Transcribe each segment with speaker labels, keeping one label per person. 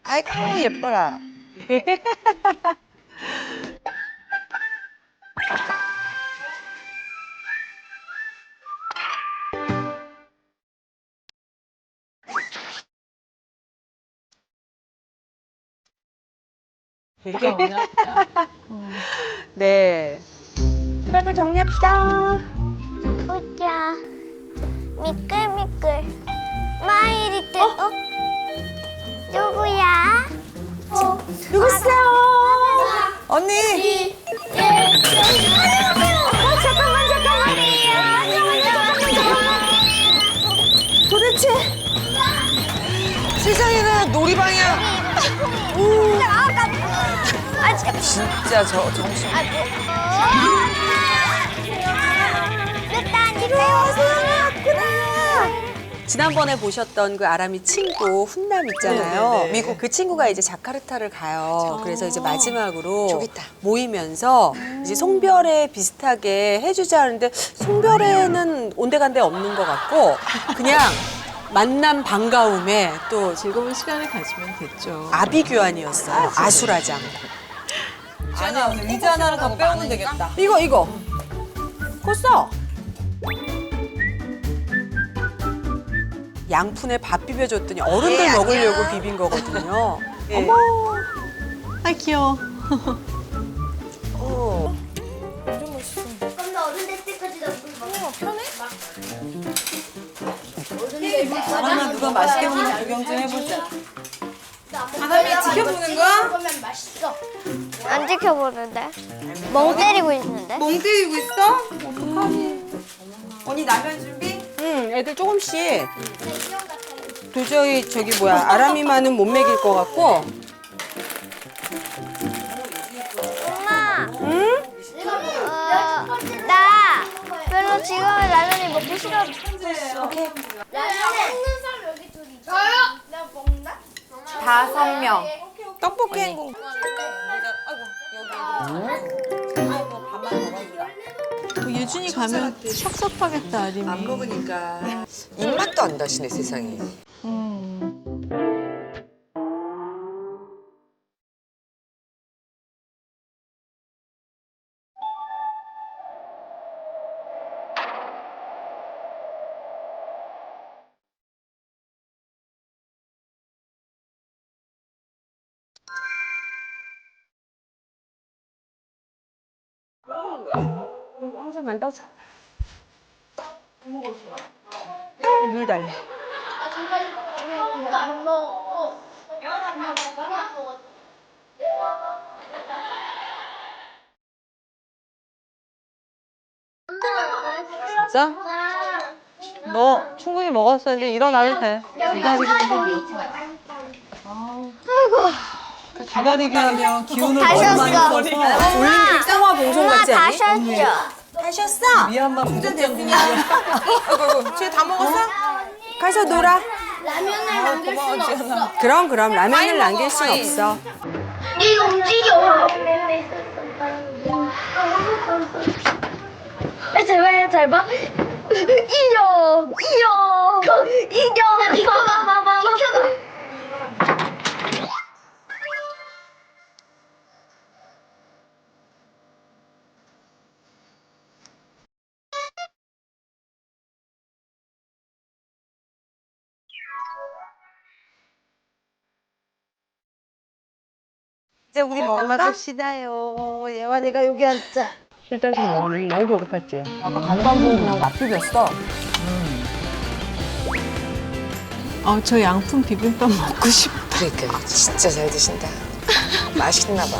Speaker 1: 아이고 예뻐라. 네. 빨리 정리합시다.
Speaker 2: 보자. 미끌미끌. 마이리틀. 누구야?
Speaker 1: 누구세요? 언니.
Speaker 2: 잠깐만.
Speaker 1: 도대체 세상에는 놀이방이야. 진짜 저 정신.
Speaker 3: 지난번에 보셨던 그 아람이 친구 훈남 있잖아요.
Speaker 1: 네네네.
Speaker 3: 미국 그 친구가 이제 자카르타를 가요. 그래서 이제 마지막으로
Speaker 1: 저기 있다.
Speaker 3: 모이면서 이제 송별회 비슷하게 해주자 하는데 송별회는 온데간데 없는 것 같고 그냥 만남 반가움에 또
Speaker 4: 즐거운 시간을 가지면 됐죠.
Speaker 3: 아비규환이었어요. 아수라장.
Speaker 1: 아니 의자 하나를 더 빼오면 되겠다.
Speaker 3: 이거. 그거 써. 양푼에 밥 비벼줬더니 어른들 먹으려고 비빈 거거든요. 예.
Speaker 4: 아 귀여워.
Speaker 2: 그럼 나 어른 될 때까지 나 물 먹어. 편해?
Speaker 1: 그러면 누가 맛있게 먹는 구경 좀 해보자. 아담이 지켜보는 거야?
Speaker 2: 먹으면 맛있어. 안 지켜보는데? 멍 때리고 있는데?
Speaker 1: 멍 때리고 있어? 어떡하니? 언니 라면 준비?
Speaker 3: 응, 애들 조금씩. 도저히 저기 뭐야 아람이만은 못 먹일 것 같고.
Speaker 2: 엄마. 응? 나 별로 지금은 라면이 먹기 싫었어. 라면 먹는 사람 여기 둘이 있어. 저요? 내가 먹나?
Speaker 1: 5명. 떡볶이 행공.
Speaker 4: 예준이 가면 섭섭하겠다 아림이.
Speaker 1: 안 먹으니까. 입맛도 안 다시네 세상에.
Speaker 3: 항상 안 떠서. 물 달래.
Speaker 4: 진짜? 너 충분히 먹었어. 이제 일어나도 돼. 기다리기 하면 기운을
Speaker 2: 다 쉬었어.
Speaker 3: 올림픽 상화 봉송
Speaker 2: 엄마
Speaker 3: 같지
Speaker 2: 다
Speaker 3: 않니?
Speaker 2: 쉬었죠?
Speaker 3: 다 쉬었어?
Speaker 4: 미얀마 부족장
Speaker 3: 아이고, 쟤 다 먹었어? 가서 놀아.
Speaker 2: 라면을 남길 수는 없어.
Speaker 3: 그럼 라면을 남길 순 없어.
Speaker 2: 이거 움직여. 잘 봐. 이겨. 봐봐.
Speaker 4: 이제 우리 먹을까? 시다요. 예완이가 여기 앉자.
Speaker 1: 실장님 너무 배고팠지?
Speaker 3: 아까 간만 보고 그냥 맛 비볐어.
Speaker 4: 저 양푼 비빔밥 먹고 싶어.
Speaker 1: 그러니까 진짜 잘 드신다. 맛있나 봐.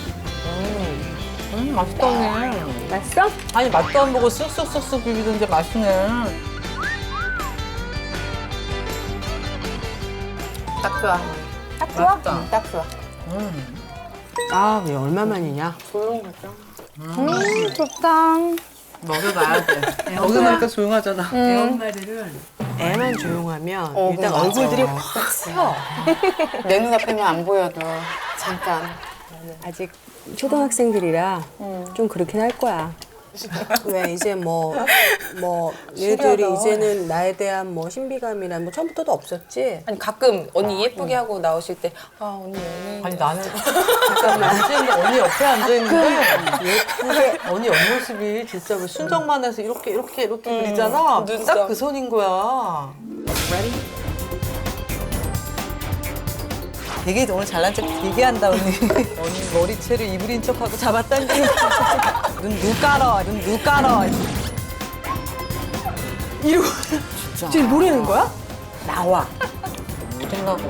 Speaker 1: 맛있다 언니.
Speaker 3: 맛있어?
Speaker 1: 아니 맛도 안 보고 쑥쑥 비비던데 맛있네. 딱 좋아.
Speaker 3: 딱 좋아?
Speaker 1: 맛있다.
Speaker 3: 딱 좋아. 아, 왜 얼마만이냐?
Speaker 2: 좋다.
Speaker 1: 먹여봐야 돼. 먹여보니까 조용하잖아.
Speaker 3: 애만 조용하면 일단 얼굴들이 확 서.
Speaker 1: 내 눈앞에만 안 보여도 잠깐.
Speaker 3: 아직 초등학생들이라 좀 그렇긴 할 거야. 왜 이제 뭐 얘들이 이제는 나에 대한 뭐 신비감이나 뭐 처음부터도 없었지.
Speaker 1: 아니 가끔 언니 예쁘게 하고 나오실 때 아 언니 연예인.
Speaker 5: 아니 나는 잠깐만 언니 옆에 앉아 있는데 예쁘게 언니 옆모습이 진짜 왜 순정만해서 이렇게 그리잖아.
Speaker 1: 눈썹.
Speaker 5: 딱 그 손인 거야. 되게 오늘 잘난 척 되게 한다 언니. 언니 머리채를 이불인 척하고 잡아당기는. 눈 깔아.
Speaker 3: 이러고 지금 뭐라는 거야? 나와.
Speaker 1: 못하려고.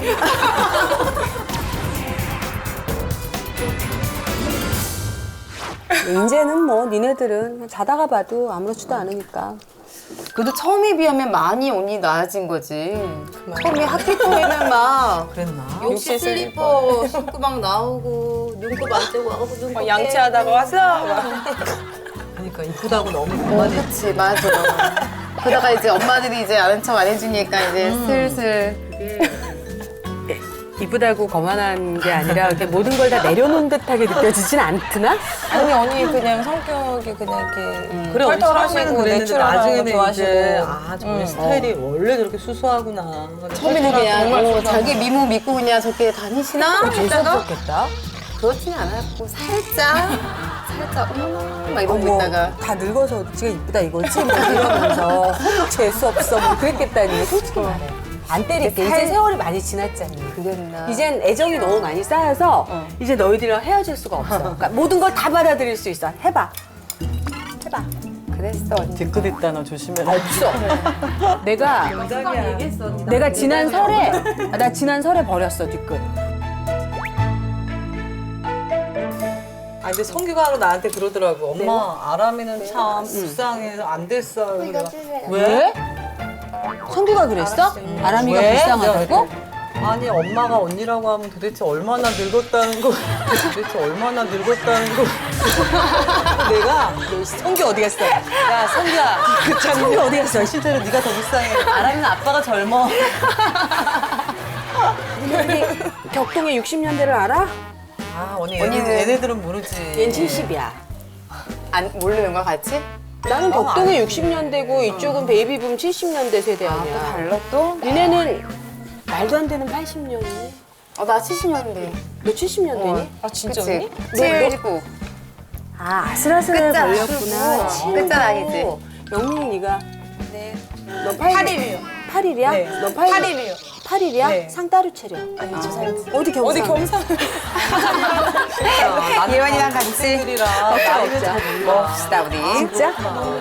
Speaker 3: 이제는 뭐 니네들은 그냥 자다가 봐도 아무렇지도 않으니까.
Speaker 1: 그래도 처음에 비하면 많이 언니 나아진 거지. 처음에 학기 초에는 막
Speaker 5: 그랬나?
Speaker 1: 욕실 슬리퍼 신고 막 나오고 눈곱 안 떼고 와서 눈곱
Speaker 3: 양치하다가 와서
Speaker 5: 그러니까 이쁘다고 너무
Speaker 1: 어,
Speaker 5: 그만해.
Speaker 1: 그치 맞아. 그러다가 이제 엄마들이 이제 아는 척 안 해주니까 이제 슬슬
Speaker 3: 이쁘다고 거만한 게 아니라 이렇게 모든 걸 다 내려놓은 듯하게 느껴지진 않구나?
Speaker 1: 아니 언니 그냥 성격이 그냥 이렇게
Speaker 5: 그래 언니 처음에는 그랬는데
Speaker 1: 내추럴한 거
Speaker 5: 나중에는
Speaker 1: 좋아하시고
Speaker 5: 이제 저희 스타일이 원래 저렇게 수수하구나.
Speaker 1: 처음에는 그냥 자기 미모 믿고 그냥 저렇게 다니시나 했다가
Speaker 3: 재수없겠다.
Speaker 1: 그렇지는 않았고 살짝 어머나 막 이러고
Speaker 3: 어머,
Speaker 1: 있다가
Speaker 3: 다 늙어서 지가 이쁘다 이거지? 뭐 이러면서 재수 없어 뭐 그랬겠다니 솔직히 말해. 안 때릴게. 이제 세월이 많이 지났잖니.
Speaker 1: 그랬나
Speaker 3: 이젠 애정이 너무 많이 쌓여서 이제 너희들이랑 헤어질 수가 없어. 그러니까 모든 걸 다 받아들일 수 있어. 해봐.
Speaker 1: 그랬어 언니.
Speaker 5: 뒤끝 있다 너 조심해라.
Speaker 3: 없어. 내가 지난 설에 나 지난 설에 버렸어 뒤끝.
Speaker 5: 아 근데 성규가 나한테 그러더라고. 엄마 아람이는 참 불쌍해서 안 됐어요. 그래가
Speaker 3: 왜? 성규가 그랬어? 아람이가
Speaker 5: 왜?
Speaker 3: 불쌍하다고?
Speaker 5: 아니 엄마가 언니라고 하면 도대체 얼마나 늙었다는 거. 내가
Speaker 3: 성규 어디 갔어? 야 성규야. 성규 어디 갔어?
Speaker 5: 실제로 네가 더 불쌍해.
Speaker 3: 아람이는 아빠가 젊어. 언니 격동의 60년대를 알아?
Speaker 5: 아 언니
Speaker 1: 언니는-
Speaker 5: 얘네들은 모르지.
Speaker 3: 얜 70이야.
Speaker 1: 안 모르는 거야 같이?
Speaker 3: 나는 격동의 60년대고 이쪽은 베이비붐 70년대 세대 아니야.
Speaker 1: 달라 또?
Speaker 3: 니네는 말도 안 되는 80년이니?
Speaker 1: 나 70년대
Speaker 3: 너 70년대니?
Speaker 1: 아 진짜
Speaker 3: 언니?
Speaker 1: 79
Speaker 3: 아 아슬아슬해
Speaker 1: 끝자
Speaker 3: 걸렸구나.
Speaker 1: 아니고. 끝자 아니지?
Speaker 3: 영민이 네가
Speaker 1: 네
Speaker 3: 너 8일이요. 8일이야?
Speaker 5: 네.
Speaker 3: 너 8일이요. 8일이야?
Speaker 5: 네.
Speaker 3: 상 따로 차려.
Speaker 1: 아니 저 사람
Speaker 3: 어디 경상?
Speaker 1: 예원이랑 같이
Speaker 5: 친구들이랑 나이는 잘 몰라.
Speaker 1: 먹읍시다 우리
Speaker 3: 진짜?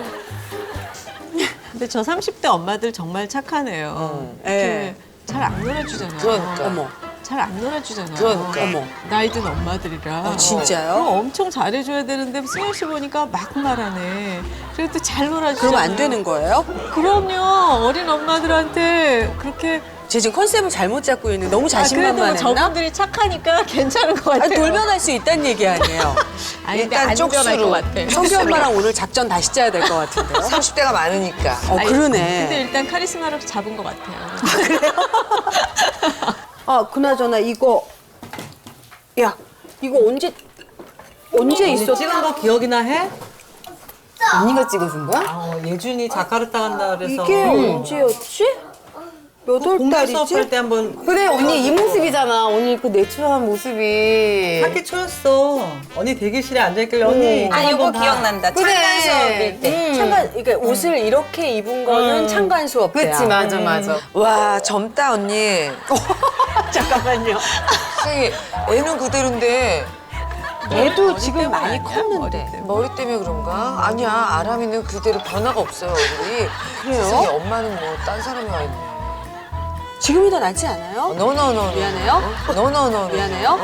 Speaker 6: 근데 저 30대 엄마들 정말 착하네요.
Speaker 3: 예.
Speaker 6: 잘 안 놀아주잖아요.
Speaker 3: 그러니까. 어머.
Speaker 6: 잘 안 놀아주잖아요.
Speaker 3: 그러니까. 어머.
Speaker 6: 나이 든 엄마들이라.
Speaker 3: 진짜요?
Speaker 6: 그럼 엄청 잘해줘야 되는데 승현 씨 보니까 막 말하네. 그래도 잘 놀아주잖아요.
Speaker 3: 그러면 안 되는 거예요?
Speaker 6: 그럼요. 어린 엄마들한테 그렇게.
Speaker 3: 쟤 지금 컨셉을 잘못 잡고 있는 너무
Speaker 6: 그래도
Speaker 3: 자신만만했나?
Speaker 6: 저분들이 착하니까 괜찮은 것 같아요.
Speaker 3: 아니, 돌변할 수 있다는 얘기 아니에요.
Speaker 6: 아니, 근데 안 변할 것 같아.
Speaker 3: 성규 엄마랑 오늘 작전 다시 짜야 될 것 같은데요?
Speaker 1: 30대가 많으니까
Speaker 6: 아니,
Speaker 3: 그러네.
Speaker 6: 근데 일단 카리스마로 잡은 것 같아요.
Speaker 3: 아, 그나저나 이거 야, 이거 언제 있었어?
Speaker 5: 찍은 거 기억이나 해?
Speaker 1: 언니가 찍어준 거야?
Speaker 5: 예준이 자카르타 간다 그래서
Speaker 3: 이게 언제였지? 몇 월
Speaker 5: 공부 수업할
Speaker 3: 달이지?
Speaker 5: 때 한번
Speaker 1: 그래 언니 이 모습이잖아 언니 그 내추럴한 모습이
Speaker 5: 학기 초였어. 언니 대기실에 앉아있길래 언니
Speaker 1: 아
Speaker 5: 이거
Speaker 1: 이거
Speaker 5: 한번 봐.
Speaker 1: 기억난다 창간 수업일 때
Speaker 3: 창간, 그러니까 옷을 이렇게 입은 거는 창간 수업 때야.
Speaker 1: 그치 맞아 맞아
Speaker 7: 와 젊다 언니.
Speaker 3: 잠깐만요.
Speaker 7: 혹시 애는 그대로인데
Speaker 3: 얘도 지금 많이 컸는데.
Speaker 7: 머리 때문에 그런가? 아니야 아람이는 그대로 변화가 없어요 얼굴이.
Speaker 3: 그래요?
Speaker 7: 세상에 엄마는 뭐 딴 사람이 와 있네.
Speaker 3: 지금이 더 낫지 않아요?
Speaker 7: 너너너
Speaker 3: 미안해요.
Speaker 7: 너너너
Speaker 3: 미안해요.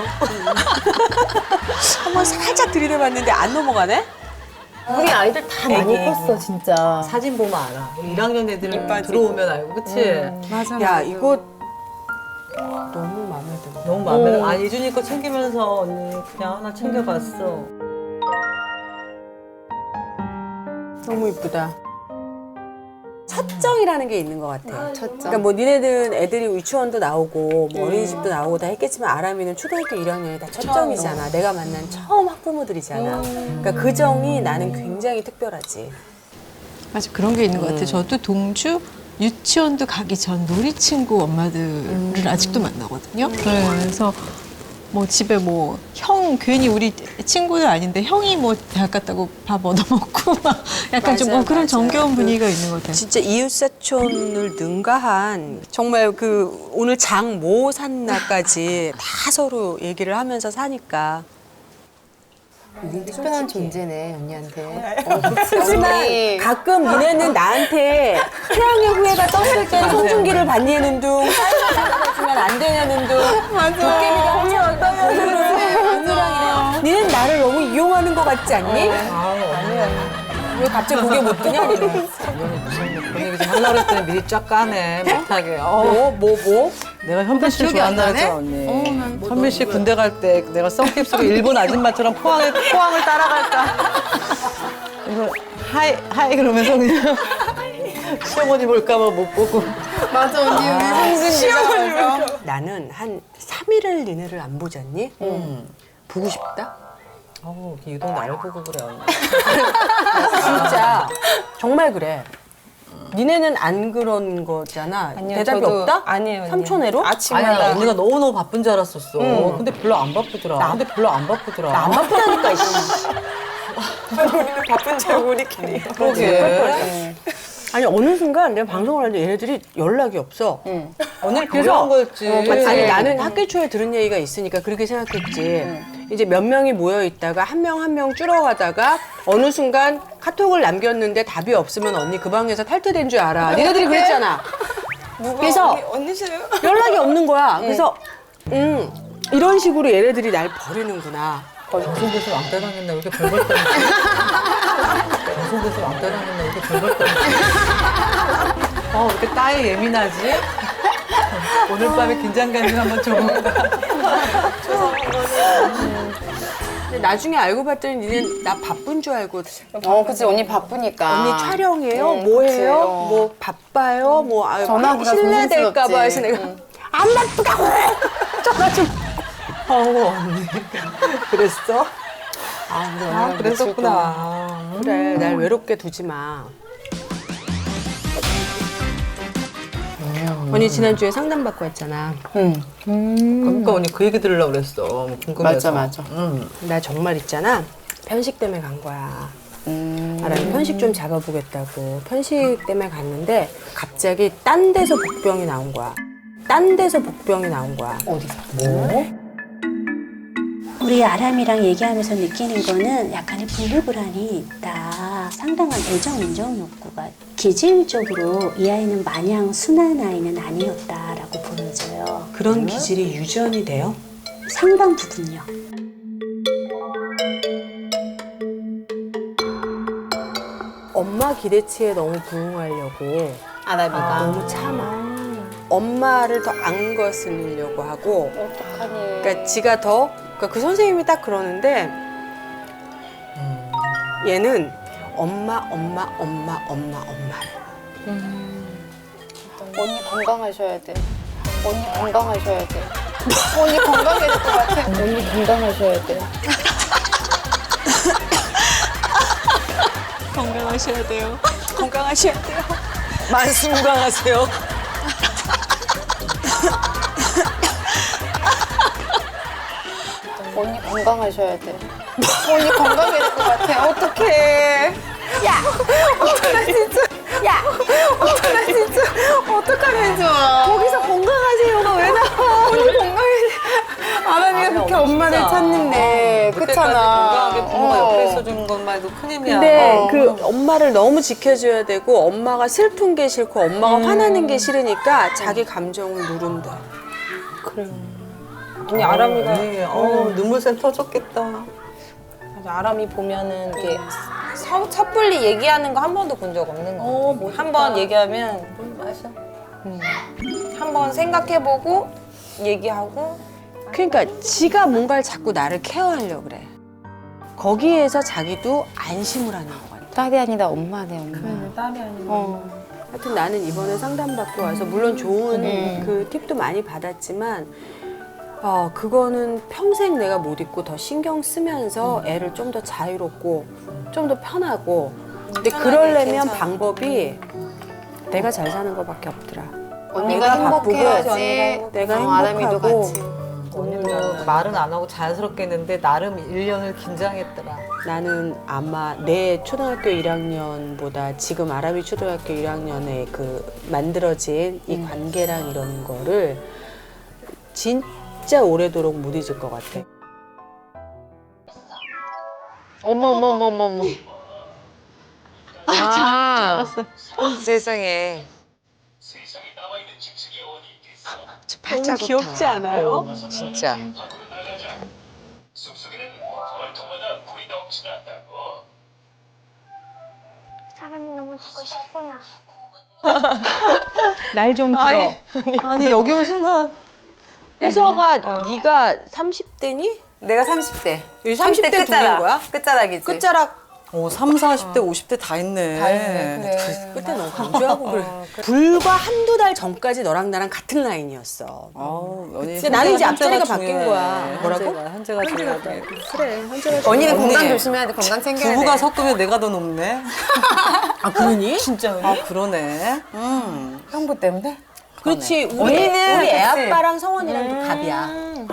Speaker 3: 한번 살짝 들이대봤는데 안 넘어가네?
Speaker 1: 우리 아이들 다 많이 컸어 진짜
Speaker 5: 사진 보면 알아. 우리 1학년 애들 들어오면 알고 그치?
Speaker 3: 야, 이거 너무 마음에 들어.
Speaker 5: 너무 마음에 들어. 아 예준이 거 챙기면서 언니 그냥 하나 챙겨봤어.
Speaker 3: 너무 이쁘다. 첫정이라는 게 있는 것 같아. 그러니까 뭐 니네들은 애들이 유치원도 나오고 뭐 어린이집도 나오고 다 했겠지만 아람이는 초등학교 1학년이 다 첫정이잖아. 내가 만난 처음 학부모들이잖아. 그러니까 그 정이 나는 굉장히 특별하지.
Speaker 6: 맞아, 그런 게 있는 것 같아요. 저도 동주 유치원도 가기 전 놀이 친구 엄마들을 아직도 만나거든요. 그래서 뭐 집에 뭐 형 괜히 우리 친구들 아닌데 형이 뭐 대학 갔다고 밥 얻어먹고 막 약간 좀
Speaker 3: 맞아요,
Speaker 6: 그런
Speaker 3: 맞아요.
Speaker 6: 정겨운 분위기가 있는 것 같아요.
Speaker 3: 진짜 이웃사촌을 능가한 정말 그 오늘 장 뭐 샀나까지 다 서로 얘기를 하면서 사니까.
Speaker 7: 특별한 존재네 언니한테.
Speaker 3: 하지만 가끔 니네는 나한테 태양의 후예가 떴을 땐 송중기를 반니하는 둥, 사이가 안 되냐는 둥, 도깨비가 하면 떠요. 니는 나를 너무 이용하는 것 같지 않니? 왜 갑자기 고개 못 드냐? 니는.
Speaker 5: 그런 얘기 좀 하려고 했더니 미리 쫙 까네 못하게.
Speaker 3: 뭐?
Speaker 5: 내가 현빈 씨를 좋아한다랬잖아 언니. 현빈 씨 군대 갈 때 내가 썬캡스로 일본 아줌마처럼 포항을 따라갈까. 이거 하이 그러면서 그냥 시어머니 볼까 봐 못 보고.
Speaker 7: 맞아 언니 우리 시어머니.
Speaker 3: 나는 한 3일을 니네를 안 보지 않니? 보고 싶다?
Speaker 5: 어우 유독 날 보고 그래 언니.
Speaker 3: 진짜 정말 그래. 니네는 안 그런 거잖아. 대답이 없다?
Speaker 1: 아니에요. 언니.
Speaker 3: 삼촌애로?
Speaker 5: 아니야 언니가 너무너무 바쁜 줄 알았었어. 근데 별로 안 바쁘더라. 나
Speaker 3: 안 바쁘다니까.
Speaker 1: 바쁜 줄 우리끼리.
Speaker 5: 그러게.
Speaker 3: 아니 어느 순간 내가 방송을 하는데 얘네들이 연락이 없어.
Speaker 5: 오늘
Speaker 3: 그래서-
Speaker 5: 그래서 거였지.
Speaker 3: 아니 나는 학교 초에 들은 얘기가 있으니까 그렇게 생각했지. 이제 몇 명이 모여 있다가 한 명 한 명 줄어가다가 어느 순간 카톡을 남겼는데 답이 없으면 언니 그 방에서 탈퇴된 줄 알아. 니네들이 그랬잖아. 그래서
Speaker 1: 언니세요?
Speaker 3: 연락이 없는 거야. 그래서 이런 식으로 얘네들이 날 버리는구나.
Speaker 5: 방송국에서 왕따 당했나 왜 이렇게 별걸 떠. 방송국에서 왕따 당했나 왜 이렇게 별걸 떠. 왜 이렇게 따에 예민하지? 오늘 밤에 긴장감 좀 한번 줘볼까?
Speaker 3: 근데 나중에 알고 봤더니 니네 나 바쁜 줄 알고
Speaker 7: 그치 언니 바쁘니까.
Speaker 3: 언니 촬영해요? 뭐 해요? 뭐 바빠요? 뭐
Speaker 7: 전화기가
Speaker 3: 실례될까 봐 해서 내가 안 바쁘다고 전화 좀.
Speaker 5: 언니.
Speaker 3: 그랬어?
Speaker 5: 그랬었구나.
Speaker 3: 그래 날 외롭게 두지 마. 언니 지난주에 상담받고 왔잖아.
Speaker 5: 그러니까 언니 그 얘기 들으려고 그랬어. 궁금해서.
Speaker 7: 맞아.
Speaker 3: 나 정말 있잖아. 편식 때문에 간 거야. 아람이 편식 좀 잡아보겠다고 편식 때문에 갔는데 갑자기 딴 데서 복병이 나온 거야.
Speaker 7: 어디서?
Speaker 8: 우리 아람이랑 얘기하면서 느끼는 거는 약간의 분리불안이 있다. 상당한 애정 인정 욕구가 기질적으로 이 아이는 마냥 순한 아이는 아니었다라고 보여져요.
Speaker 3: 그런 기질이 유전이 돼요?
Speaker 8: 상당 부분요.
Speaker 3: 엄마 기대치에 너무 부응하려고
Speaker 7: 아람이가.
Speaker 3: 너무 참아. 엄마를 더 안 거슬리려고 하고.
Speaker 7: 어떡하니.
Speaker 3: 그러니까 지가 더, 그러니까 그 선생님이 딱 그러는데 얘는 엄마래.
Speaker 7: 언니 건강하셔야 돼. 언니 건강하셔야 돼. 언니 건강해질 것 같아. 언니 건강하셔야 돼.
Speaker 6: 건강하셔야 돼요.
Speaker 3: 건강하셔야 돼요.
Speaker 1: 만수무강하세요.
Speaker 7: 언니 건강하셔야 돼. 언니 건강해질 것 같아. 어떡해. 어떡하면 좋아.
Speaker 3: 거기서 건강하세요가 왜 나와?
Speaker 7: 아람이가 그렇게 엄마를 찾는데.
Speaker 5: 그때까지
Speaker 7: 그렇잖아.
Speaker 5: 건강하게 부모가 옆에 있어주는 것만 해도 큰 힘이야.
Speaker 3: 근데 그 엄마를 너무 지켜줘야 되고 엄마가 슬픈 게 싫고 엄마가 화나는 게 싫으니까 자기 감정을 누른대.
Speaker 1: 언니 아람이가
Speaker 5: 눈물샘 터졌겠다.
Speaker 1: 맞아, 아람이 보면은 이렇게 섣불리 얘기하는 거 한 번도 본 적 없는 거 같아. 한 번 얘기하면 한 번 생각해보고 얘기하고.
Speaker 3: 그러니까 지가 뭔가를 자꾸 나를 케어하려고 그래. 거기에서 자기도 안심을 하는 것 같아.
Speaker 7: 딸이 아니다 엄마네 엄마.
Speaker 1: 딸이 아니고.
Speaker 3: 하여튼 나는 이번에 상담받고 와서 물론 좋은 그 팁도 많이 받았지만 그거는 평생 내가 못 잊고 더 신경 쓰면서 애를 좀 더 자유롭고 좀 더 편하고 근데 그러려면 방법이 내가 잘 사는 거밖에 없더라.
Speaker 7: 언니가 행복해야지.
Speaker 3: 내가
Speaker 7: 아람이도
Speaker 3: 행복하고
Speaker 7: 같이.
Speaker 5: 언니도 말은 안 하고 자연스럽게 했는데 나름 1년을 긴장했더라.
Speaker 3: 나는 아마 내 초등학교 1학년보다 지금 아람이 초등학교 1학년에 그 만들어진 이 관계랑 이런 거를 진짜 오래도록 못 잊을 것 같아.
Speaker 7: 어머. 아, 세상에.
Speaker 3: 너무 귀엽지 않아요?
Speaker 7: 진짜.
Speaker 2: 사람이 너무 듣고 싶구나.
Speaker 3: 날 좀 들어.
Speaker 5: 아니 여기 온 순간
Speaker 3: 혜서가 네가 30대니?
Speaker 1: 내가 30대.
Speaker 3: 30대 끝자락. 거야?
Speaker 1: 끝자락이지.
Speaker 3: 끝자락
Speaker 5: 3, 40대, 50대 다 있네.
Speaker 1: 그래.
Speaker 3: 끝에 너무 강조하고 그래. 불과 한두 달 전까지 너랑 나랑 같은 라인이었어.
Speaker 5: 근데
Speaker 3: 나는 이제 앞자리가 바뀐 거야. 뭐라고?
Speaker 5: 현재가 중요하다.
Speaker 3: 그래, 현재가
Speaker 7: 언니는
Speaker 5: 언니.
Speaker 7: 건강 조심해야 돼. 건강 챙겨야 돼.
Speaker 5: 부부가 섞으면 내가 더 높네.
Speaker 3: 아, 그러니?
Speaker 5: 진짜. 그러네.
Speaker 7: 형부 때문에?
Speaker 3: 그렇지.
Speaker 7: 언니는
Speaker 3: 우리 애
Speaker 7: 그치.
Speaker 3: 아빠랑 성원이랑도 갑이야.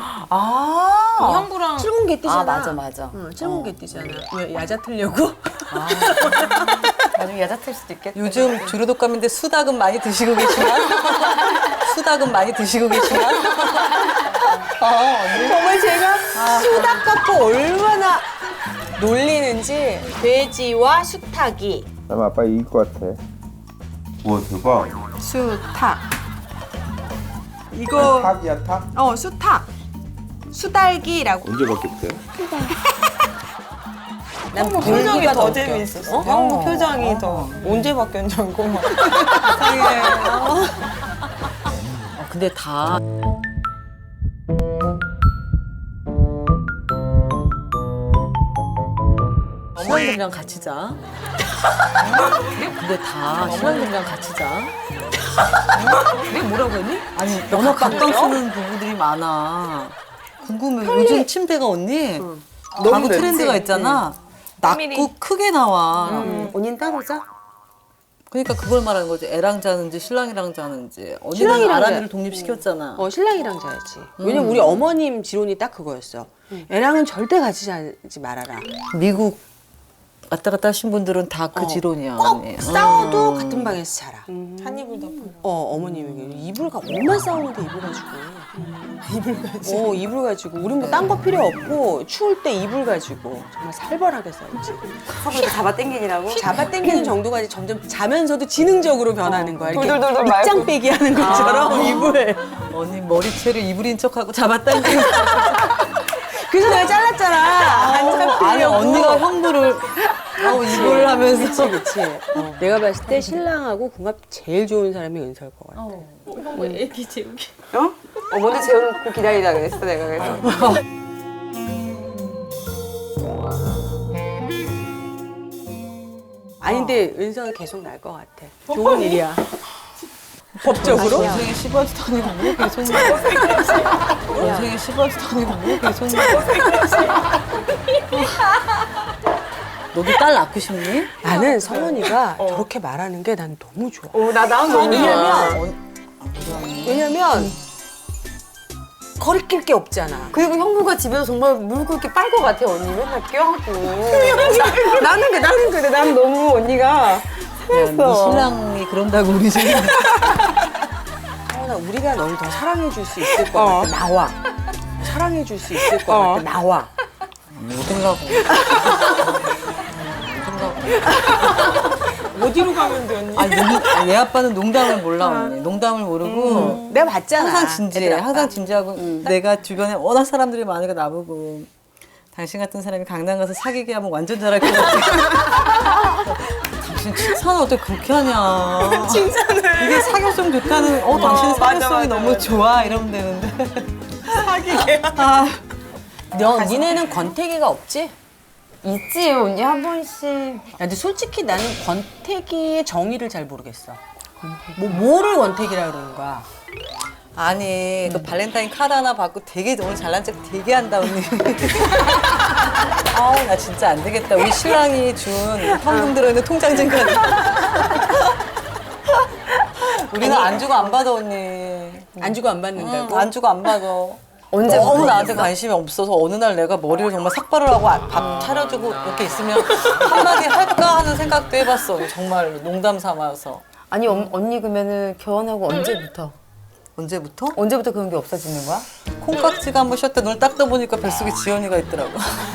Speaker 1: 형부랑
Speaker 3: 7공개 뛰잖아.
Speaker 7: 맞아.
Speaker 3: 응, 7공개 뛰잖아. 왜 야자 틀려고?
Speaker 7: 나중에 여자 틀 수도 있겠다.
Speaker 5: 요즘 주류독감인데 수닭은 많이 드시고 계시나? 수닭은 많이 드시고 계시나?
Speaker 3: 정말 제가 수탉 갖고 얼마나 놀리는지 돼지와 수탉이
Speaker 9: 난 아빠 이길 것 같아. 우와 대박.
Speaker 3: 수탉 이거
Speaker 9: 탁이야 탁?
Speaker 3: 수탉 수달기라고
Speaker 9: 언제 바뀌었대?
Speaker 3: 난
Speaker 1: 표정이 더
Speaker 3: 웃겨.
Speaker 1: 재미있었어. 형부 표정이 더 언제 바뀌었는지 알고 막.
Speaker 5: 근데 다 신랑들이랑 같이 자. 근데 다 신랑들이랑 같이 자.
Speaker 3: 내가 뭐라고 했니?
Speaker 5: 아니 너무 각방 쓰는 부부들이 많아. 궁금해. 요즘 침대가 언니 너무 트렌드가 있잖아. 낮고 크게 나와.
Speaker 3: 언니는 따로 자?
Speaker 5: 그러니까 그걸 말하는 거지. 애랑 자는지 신랑이랑 자는지. 언니는
Speaker 3: 신랑이랑
Speaker 5: 아람이를
Speaker 3: 자.
Speaker 5: 독립시켰잖아.
Speaker 3: 신랑이랑 자야지. 왜냐면 우리 어머님 지론이 딱 그거였어. 애랑은 절대 같이 자지 말아라.
Speaker 5: 미국 왔다 갔다 하신 분들은 다 그 지론이야.
Speaker 3: 꼭
Speaker 5: 언니.
Speaker 3: 싸워도 같은 방에서 자라.
Speaker 1: 한 이불 덮어.
Speaker 3: 어머님이 이불가 얼마나 싸우는데 이불 가지고. 이불 가지고. 이불 가지고. 우린 뭐 딴 거 필요 없고 추울 때 이불 가지고 정말 살벌하게 싸우지.
Speaker 1: 서로 잡아당기니라고?
Speaker 3: 잡아당기는 정도가 이제 점점 자면서도 지능적으로 변하는 거야. 이렇게
Speaker 1: 돌돌돌돌 말고.
Speaker 3: 밑장 빼기 하는 것처럼 이불.
Speaker 5: 언니 머리채를 이불인 척하고 잡아당기고.
Speaker 3: 그래서 내가 잘랐잖아. 안 잡히려고.
Speaker 5: 아니 언니가 형부를 이불을 하면서.
Speaker 3: 그치. 내가 봤을 때 신랑하고 궁합 제일 좋은 사람이 은서일 것 같아.
Speaker 1: 애기 재우기.
Speaker 7: 먼저 재워놓고 기다리라 그랬어, 내가 그래서.
Speaker 3: 아니 근데 은서가 계속 날 것 같아. 좋은 일이야. 법적으로?
Speaker 5: 인생에 씹어지도 아니고 뭐 계속 나. 인생에 씹어지도 아니고 뭐 계속 나. 너도 딸 낳고 싶니?
Speaker 3: 나는 성원이가 저렇게 말하는 게 난 너무 좋아.
Speaker 7: 난 너무
Speaker 3: 왜냐면 거리낄 게 없잖아.
Speaker 7: 그리고 형부가 집에서 정말 물고 이렇게 빨 것 같아, 언니. 맨날 껴안고. 나는 그래. 난 너무 언니가.
Speaker 5: 네 신랑이 그런다고 우리 집에.
Speaker 3: 성원아, 우리가 널 더 사랑해 줄 수 있을 것 같아. 나와. 사랑해 줄 수 있을 것 같아. 나와.
Speaker 5: 어딘가고.
Speaker 1: 어디로 가면 돼 언니?
Speaker 5: 아니, 얘 아빠는 농담을 몰라, 언니. 농담을 모르고.
Speaker 3: 내가 봤잖아.
Speaker 5: 항상 진지해.
Speaker 3: 애들 아빠.
Speaker 5: 항상 진지하고. 내가 주변에 워낙 사람들이 많으니까 나보고. 당신 같은 사람이 강남 가서 사귀게 하면 완전 잘할 것 같아. 당신 칭찬을 어떻게 그렇게 하냐.
Speaker 1: 칭찬을.
Speaker 5: 이게 사교성 좋다는, 당신 사교성이 너무 좋아. 이러면 되는데.
Speaker 1: 사귀게.
Speaker 3: 니네는 권태기가 없지?
Speaker 7: 있지, 언니 한 번씩.
Speaker 3: 야, 근데 솔직히 나는 권태기의 정의를 잘 모르겠어. 뭐를 원택이라 그러는 거야?
Speaker 5: 아니 그 발렌타인 카드 하나 받고 되게 오늘 잘난 척 되게 한다 언니. 아우 나 진짜 안 되겠다. 우리 신랑이 준 현금 들어있는 통장 좀 가져. 우리는 안 주고 안 받아 언니.
Speaker 3: 안 주고 안 받는다고?
Speaker 5: 안 주고 안 받아.
Speaker 1: 언제
Speaker 5: 너무 나한테 관심이 없어서 어느 날 내가 머리를 정말 삭발을 하고 밥 차려주고 이렇게 있으면 한마디 할까 하는 생각도 해봤어. 정말 농담 삼아서.
Speaker 1: 아니 언니 그러면은 결혼하고 언제부터?
Speaker 5: 언제부터?
Speaker 1: 언제부터 그런 게 없어지는 거야?
Speaker 5: 콩깍지가 한번 쉬었다 눈을 딱 떠보니까 뱃속에 지연이가 있더라고.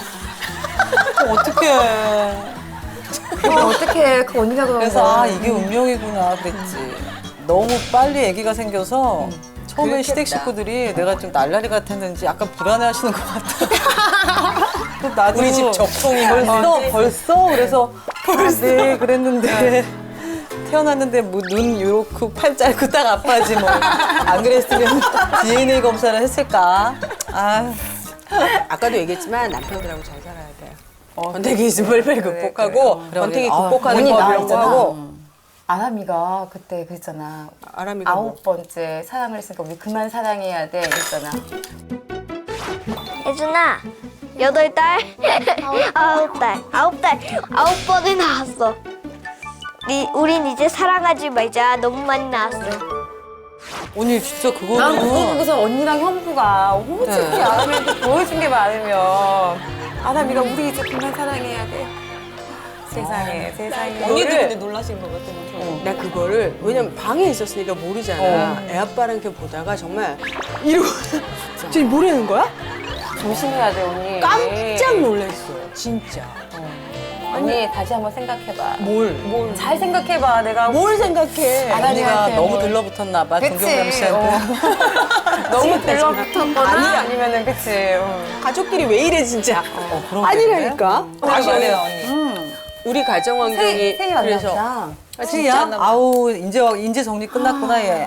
Speaker 5: 어떡해.
Speaker 1: 어떻게 그 언니가 그런
Speaker 5: 그래서
Speaker 1: 거야?
Speaker 5: 아 이게 운명이구나 그랬지. 너무 빨리 아기가 생겨서 처음에 시댁 식구들이 내가 좀 날라리 같았는지 약간 불안해하시는 것 같아. 그래서 나도
Speaker 3: 우리 집 적송이
Speaker 5: 벌써 그래서 네 그랬는데 태어났는데 뭐 눈 요렇고 팔 짧고 딱 아파지 뭐 안 그랬으면 DNA 검사를 했을까. 아
Speaker 3: 아까도 얘기했지만 남편들하고 잘 살아야 돼. 권태기즘을 빨리 극복하고 권태기 극복하는
Speaker 1: 언니
Speaker 3: 법
Speaker 1: 나
Speaker 3: 이런 거
Speaker 1: 있잖아.
Speaker 3: 하고.
Speaker 1: 아람이가 그때 그랬잖아.
Speaker 3: 아람이가 뭐.
Speaker 1: 9번째 사랑을 했으니까 우리 그만 사랑해야 돼 이랬잖아.
Speaker 2: 예준아 8달 9달 9 번이 나왔어. 우린 이제 사랑하지 말자. 너무 많이 나왔어.
Speaker 5: 언니 진짜
Speaker 1: 난 그거
Speaker 5: 그거는
Speaker 1: 보고서 언니랑 형부가 솔직히 아람이한테 보여준 게 많으면 아람이가 우리 이제 그만 사랑해야 돼. 세상에 세상에.
Speaker 3: 언니도 근데 놀라신 것 같아. 나 그거를 왜냐면 방에 있었으니까 모르잖아. 애 아빠랑 이렇게 보다가 정말 이러고 지금 모르는 거야?
Speaker 1: 조심해야 돼 언니.
Speaker 3: 깜짝 놀랐어. 진짜.
Speaker 1: 언니 다시 한번 생각해봐.
Speaker 3: 뭘?
Speaker 1: 잘 생각해봐. 내가
Speaker 3: 뭘 생각해?
Speaker 5: 언니가 너무 들러붙었나 봐 김경남 씨한테.
Speaker 1: 너무 들러붙었거나 아니면은 그치.
Speaker 3: 가족끼리 왜 이래 진짜?
Speaker 5: 그런
Speaker 3: 아니라니까.
Speaker 5: 맞아요 언니.
Speaker 3: 우리 가정 환경이
Speaker 1: 세이
Speaker 3: 그래서
Speaker 1: 만났다.
Speaker 5: 세이야? 아우 이제 정리 끝났구나 얘.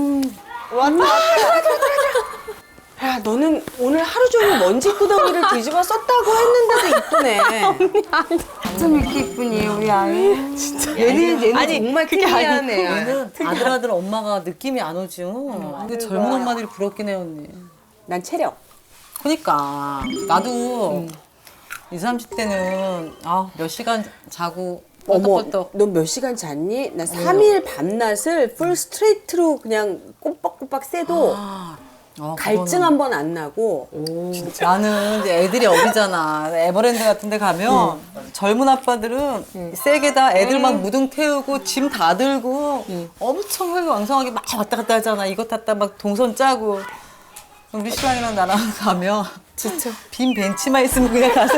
Speaker 3: 야 너는 오늘 하루 종일 먼지 구덩이를 뒤집어 썼다고 했는데도 이쁘네.
Speaker 1: 좀 이렇게 이쁘니 우리 아이.
Speaker 3: 얘는 정말 특이하네.
Speaker 5: 얘는 아들 엄마가 느낌이 안 오지. 근데 젊은 엄마들이 부럽긴 해 언니.
Speaker 3: 난 체력.
Speaker 5: 그러니까 나도 20, 30대는 몇 시간 자고
Speaker 3: 어머,
Speaker 5: 펄떡펄떡.
Speaker 3: 너 몇 시간 잤니? 나 3일 밤낮을 풀 스트레이트로 그냥 꼬박꼬박 쎄도 갈증 한 번 안 나고.
Speaker 5: 나는 이제 애들이 어리잖아. 에버랜드 같은 데 가면 젊은 아빠들은 세게 다 애들 막 무등 태우고 짐 다 들고 엄청 혈기왕성하게 막 왔다 갔다 하잖아. 이것 탔다 막 동선 짜고. 우리 신랑이랑 나랑 가면 진짜 빈 벤치만 있으면 그냥 가서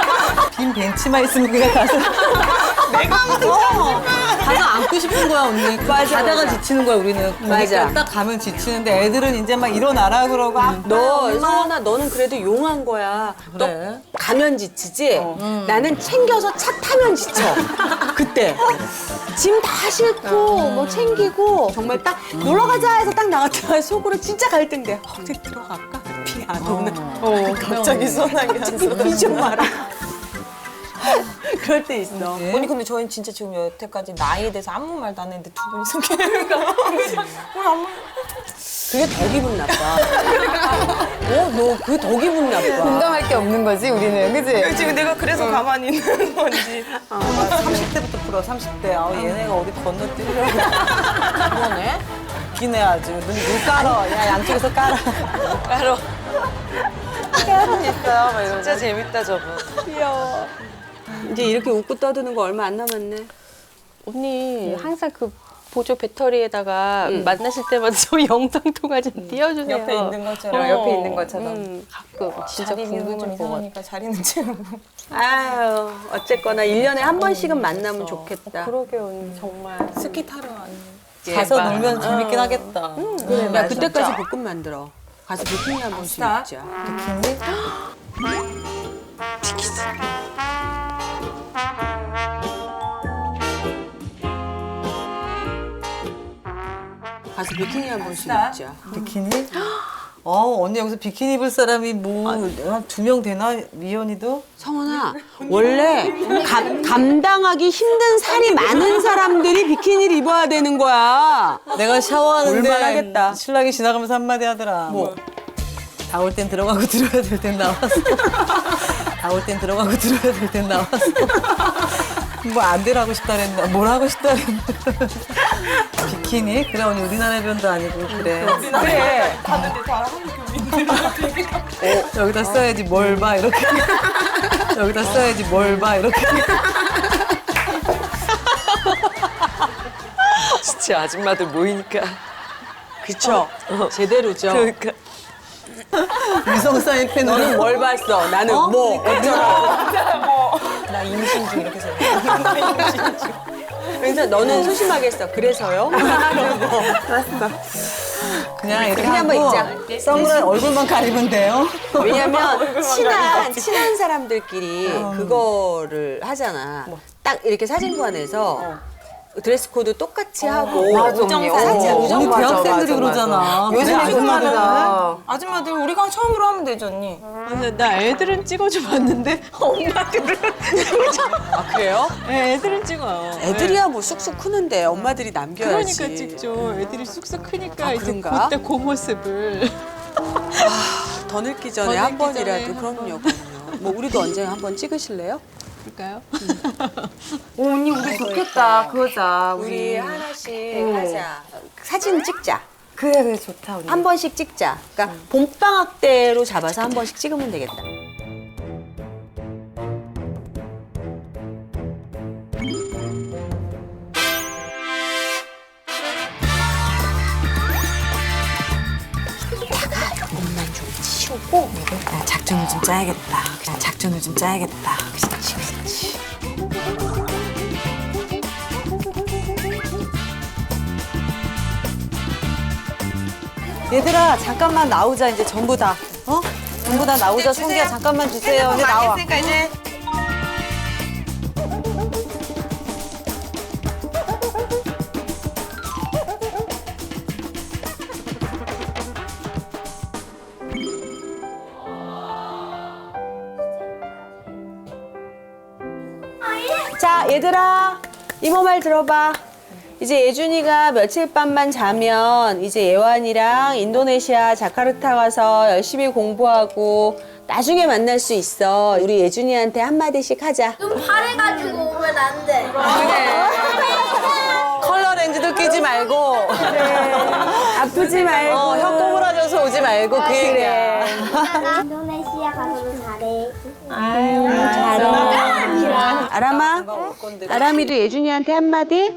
Speaker 5: 가서 앉고 싶은 거야 언니. 가다가 지치는 거야 우리는.
Speaker 3: 맞아.
Speaker 5: 딱 가면 지치는데 애들은 이제 막 일어나라 그러고
Speaker 3: 너, 성원아, 너는 그래도 용한 거야. 너
Speaker 5: 그래.
Speaker 3: 가면 지치지? 나는 챙겨서 차 타면 지쳐. 그때. 짐 다 싣고, 뭐 챙기고, 정말 딱 놀러 가자 해서 딱 나갔다가 속으로 진짜 갈등돼. 어디 들어갈까? 비 안 오나? 갑자기 선하게 비좀 마라. 그럴 때 있어.
Speaker 1: 언니 근데 저희는 진짜 지금 여태까지 나이에 대해서 아무 말도 안 했는데 두 분이 소개해니까
Speaker 3: 그게 더 기분 나빠. 너 그게 더 기분 나빠.
Speaker 1: 공감할 게 없는 거지 우리는 그치?
Speaker 3: 지금 내가 그래서 가만히 있는 건지.
Speaker 5: 30대부터 풀어 30대. 얘네가 어디 건너뛰려고. 그러네. 기네 아주. 눈 깔어. 야 양쪽에서 깔아.
Speaker 1: 따로 깨알은 있어요 막 이러고.
Speaker 3: 진짜 재밌다 저분. 귀여워. 이제 이렇게 웃고 떠드는 거 얼마 안 남았네.
Speaker 7: 언니 항상 그 보조 배터리에다가 만나실 때마다 저 영상 통화 좀 띄워주세요.
Speaker 1: 옆에 있는 것처럼
Speaker 7: 옆에
Speaker 1: 있는 것처럼.
Speaker 7: 가끔 진짜
Speaker 1: 자리는 좀
Speaker 7: 궁금할 것 같아.
Speaker 1: 이상하니까 자리는 채우고.
Speaker 3: 아유, 어쨌거나 1년에 한 번씩은 만나면 좋겠다.
Speaker 7: 그러게요 언니 정말.
Speaker 1: 스키 타러 왔네.
Speaker 5: 가서 놀면 재밌긴 하겠다.
Speaker 3: 그래, 야, 그때까지 볶음 만들어. 가서 비키니 한 번씩 입자. 가서 비키니 한 번씩 입자.
Speaker 5: 비키니? 언니 여기서 비키니 입을 사람이 뭐 한 2명 되나? 미연이도?
Speaker 3: 성훈아, 원래 감당하기 힘든 살이 많은 사람들이 비키니를 입어야 되는 거야.
Speaker 5: 내가 샤워하는데
Speaker 3: 볼만하겠다.
Speaker 5: 신랑이 지나가면서 한마디 하더라. 뭐? 나올 땐 들어가고 들어야 될 땐 나왔어. 나올 땐 들어가고 들어야 될 땐 나왔어. 뭐 안 되라고 싶다 그랬나? 뭘 하고 싶다 그랬나? 비키니? 그래 언니 우리나라 변도 아니고 그래.
Speaker 3: 그래.
Speaker 5: 여기다 써야지 뭘 봐 이렇게. 여기다 써야지 뭘 봐 이렇게.
Speaker 3: 진짜 아줌마들 모이니까. 그쵸? 제대로죠.
Speaker 5: 그러니까. 위성 사이펜
Speaker 3: 너는 뭘 봤어? 나는 뭐 어쩌라고. 나 임신 중 이렇게 써요. 그래서 너는 소심하게 했어. 그래서요?
Speaker 5: 그냥 이렇게
Speaker 3: 그냥 한번
Speaker 5: 하고
Speaker 3: 입자.
Speaker 5: 선글라스 얼굴만 가리면 돼요.
Speaker 3: 왜냐면 친한 사람들끼리 그거를 하잖아. 딱 이렇게 사진관에서 드레스 코드 똑같이 하고
Speaker 5: 우리 대학생들이 그러잖아.
Speaker 1: 요즘
Speaker 5: 아줌마들은
Speaker 1: 아줌마들 우리가 처음으로 하면 되죠, 언니.
Speaker 6: 근데 나 애들은 찍어줘 봤는데 엄마들은
Speaker 3: 아 그래요?
Speaker 6: 네, 애들은 찍어요.
Speaker 3: 애들이야 뭐 쑥쑥 크는데 엄마들이 남겨야지.
Speaker 6: 그러니까 찍죠. 애들이 쑥쑥 크니까
Speaker 3: 아,
Speaker 6: 이제
Speaker 3: 그런가?
Speaker 6: 그때 그 모습을.
Speaker 3: 더 늙기 전에
Speaker 6: 더
Speaker 3: 한
Speaker 6: 늙기
Speaker 3: 번이라도
Speaker 6: 전에
Speaker 3: 그럼요. 뭐 우리도 언젠가 한번 찍으실래요?
Speaker 6: 그럴까요?
Speaker 1: 오, 언니 우리 좋겠다. 그거자.
Speaker 3: 우리 하나씩 하자. 사진 찍자.
Speaker 1: 그래 좋다 우리.
Speaker 3: 한 번씩 찍자. 그러니까 봄방학 때로 잡아서 한 번씩 찍으면 되겠다. 이따가 이것만 좀 치우고
Speaker 1: 작전을 좀 짜야겠다. 작전을 좀 짜야겠다. 그렇지, 그렇지. 얘들아 잠깐만 나오자 이제 전부 다. 어? 전부 다 나오자. 성기야 잠깐만 주세요. 이제 나와.
Speaker 3: 자, 얘들아, 이모 말 들어봐. 이제 예준이가 며칠 밤만 자면 이제 예완이랑 인도네시아 자카르타 가서 열심히 공부하고 나중에 만날 수 있어. 우리 예준이한테 한마디씩 하자.
Speaker 2: 좀 파래가지고 오면 안 돼.
Speaker 1: 컬러 렌즈도 끼지 말고.
Speaker 3: 아프지 말고.
Speaker 1: 혀 꼬부라져서 오지 말고 그 얘기야.
Speaker 2: 인도네시아 가서도 잘해.
Speaker 3: 잘해. 아람아, 아람이도 예준이한테 한마디?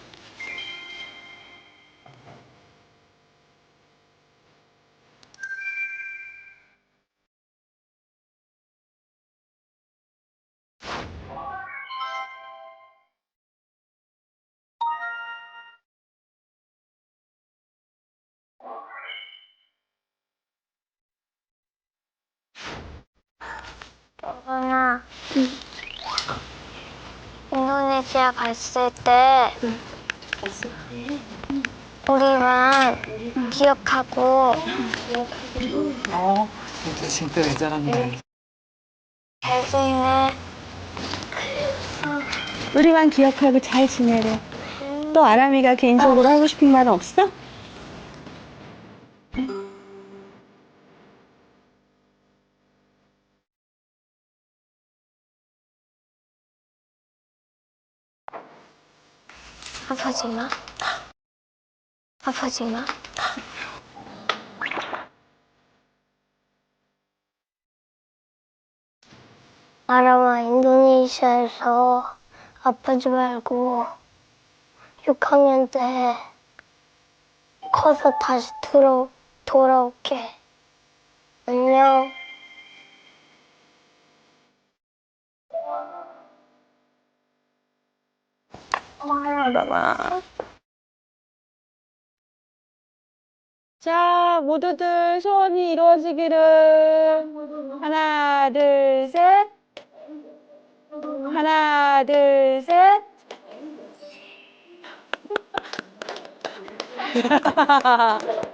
Speaker 2: 영아, 인도네시아 갔을 때 우리만 기억하고
Speaker 5: 진짜 왜 잘한다.
Speaker 2: 잘 지내.
Speaker 8: 우리만 기억하고 잘 지내래. 또 아람이가 개인적으로 하고 싶은 말은 없어?
Speaker 2: 아프지 마. 아프지 마. 아람아, 인도네시아에서 아프지 말고 6학년 때 커서 다시 돌아올게. 안녕.
Speaker 8: 자, 모두들 소원이 이루어지기를. 하나, 둘, 셋. 하나, 둘, 셋.